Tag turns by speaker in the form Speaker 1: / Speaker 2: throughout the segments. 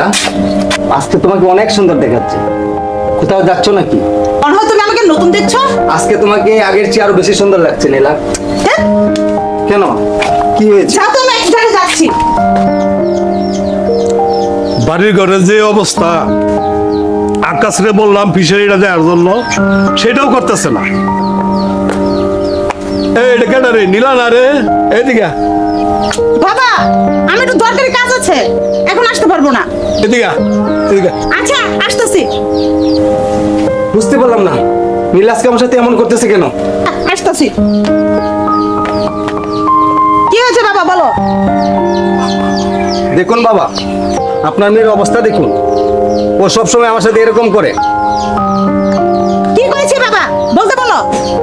Speaker 1: নীলা, আজকে তোমাকে অনেক সুন্দর দেখাচ্ছে। কোথাও যাচ্ছ নাকি?
Speaker 2: মনে হয় তুমি আমাকে নতুন দেখছো।
Speaker 1: আজকে তোমাকে আগের চেয়ে আরো বেশি সুন্দর লাগছে নীলা।
Speaker 2: হ্যাঁ?
Speaker 1: কেন, কি হয়েছে?
Speaker 2: যা তো আমি এক জায়গায় যাচ্ছি।
Speaker 3: বাড়ির ঘরের যে অবস্থা, আকাশরে বললাম ফিশারিটা দেওয়ার জন্য, সেটাও করতেছে না। এটা কেন রে, নীলা না রে? এদিকে
Speaker 2: বাবা, আমি একটু দরকারি কাজ আছে, এখন আসতে পারবো না।
Speaker 3: এদিকে এদিকে।
Speaker 2: আচ্ছা, আসতেছি।
Speaker 1: বুঝতে পারলাম না নীলা আজকে আমার সাথে এমন করতেছে কেন?
Speaker 2: আসতেছি। কি হয়েছে বাবা, বলো।
Speaker 1: দেখুন বাবা, আপনার মেয়ের অবস্থা দেখুন। ও সবসময় আমার সাথে এরকম করে।
Speaker 2: কি করেছি বাবা, বলতে বলো।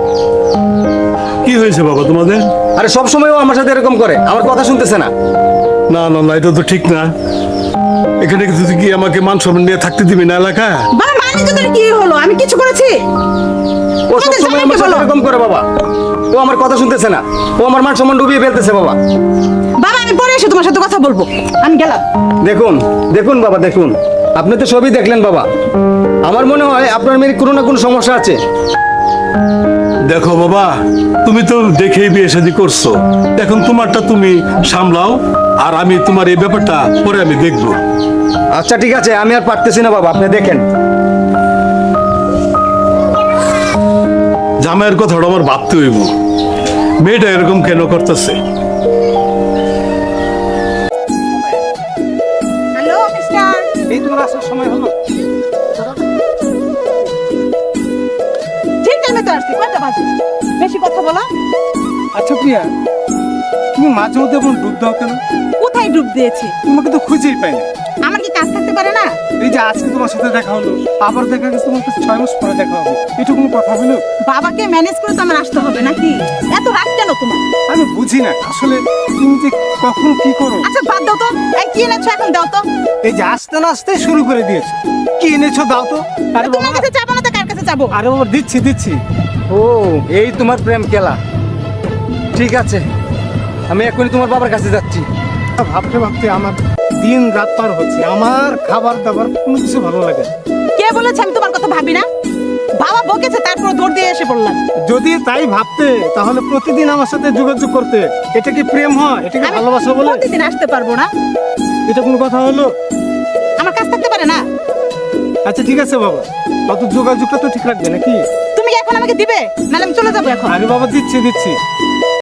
Speaker 3: কি হয়েছে বাবা তোমাদের?
Speaker 1: আরে সবসময় ও আমার সাথে এরকম করে, আমার কথা শুনতেছে না।
Speaker 3: না না না, এটা তো ঠিক না। এখানে তুই কি আমাকে মান সম্মান নিয়ে থাকতে দিবি না এলাকা?
Speaker 2: বাবা, মানে যদি কি হলো, আমি কিছু করেছি?
Speaker 1: ও সবসময় আমার সাথে এরকম করে বাবা। ও আমার কথা শুনতেছে না, ও আমার মান সম্মান ডুবিয়ে ফেলতেছে বাবা।
Speaker 2: বাবা, আমি পরে এসে তোমার সাথে কথা বলবো, আমি গেলাম।
Speaker 1: দেখুন দেখুন বাবা, দেখুন, আপনি তো সবই দেখলেন বাবা। আমার মনে হয় আপনার মেয়ের কোনো না কোনো সমস্যা আছে।
Speaker 3: দেখো বাবা, তুমি তো দেখেই বিয়ে শাদী করছো, এখন তোমারটা তুমি সামলাও, আর আমি তোমার এই ব্যাপারটা পরে আমি দেখবো।
Speaker 1: আচ্ছা ঠিক আছে, আমি আর পারতেছি না বাবা, আপনি দেখেন।
Speaker 3: জামাইয়ের কথাটা আমার ভাবতে হইব, মেয়েটা এরকম কেন করতেছে।
Speaker 2: Hello mister.
Speaker 1: এই তোমার আসার সময় হলো?
Speaker 2: ঠিক টাইমে তো আসছি, কয়টা বাজে? বেশি কথা বলো।
Speaker 4: আচ্ছা প্রিয়া, তুমি মাঝে মধ্যে এমন ডুব দাও কেন?
Speaker 2: কোথায় ডুব দিয়েছি?
Speaker 4: তোমাকে তো খুঁজেই পাই না।
Speaker 2: আমার কি কাজ থাকতে পারে না?
Speaker 4: এই যে আজকে তোমার সাথে দেখা হলো, আবার দেখা গেছে তোমার কাছে 6 মাস পরে দেখা হবে, এটা কোনো কথা হলো?
Speaker 2: বাবাকে ম্যানেজ করে তো আমার আসতে হবে নাকি? এত রাগ কেন তোমার?
Speaker 4: আমি বুঝি না আসলে তুমি যে কখন কি করো।
Speaker 2: আচ্ছা বাদ দাও তো, এই কি এনেছো এখন দাও তো।
Speaker 4: এই যে আসতে না আসতে শুরু করে দিয়েছো, কি এনেছো দাও তো। আরে
Speaker 2: তোমার
Speaker 4: বাবা,
Speaker 2: কাছে যাবো না তো কার কাছে যাবো?
Speaker 4: আরে বাবা, দিচ্ছি দিচ্ছি।
Speaker 1: ও, এই তোমার প্রেম খেলা। ঠিক আছে, আমি এখনই তোমার বাবার কাছে যাচ্ছি।
Speaker 4: ভাবতে ভাবতে আমার দিন রাত পার হচ্ছে, আমার খাবার দাবার কোনো কিছু ভালো লাগে না।
Speaker 2: কে বলেছে আমি তোমার কথা ভাবি না? বাবা বকেছে, তারপর দৌড় দিয়ে এসে পড়লাম।
Speaker 4: যদি তাই ভাবতে তাহলে প্রতিদিন আমার সাথে যোগাযোগ করতে। এটা কি প্রেম হয়? এটা কি
Speaker 2: আমি
Speaker 4: ভালোবাসা বলে?
Speaker 2: প্রতিদিন আসতে পারবো না,
Speaker 4: এটা কোনো কথা হলো?
Speaker 2: আমার কাজ থাকতে পারে না?
Speaker 4: আচ্ছা ঠিক আছে বাবা, অত যোগাযোগটা তো ঠিক রাখবে নাকি?
Speaker 2: তুমি কি এখন আমাকে দিবে, নাহলে আমি চলে যাবো এখন।
Speaker 4: আরে বাবা, দিচ্ছি দিচ্ছি।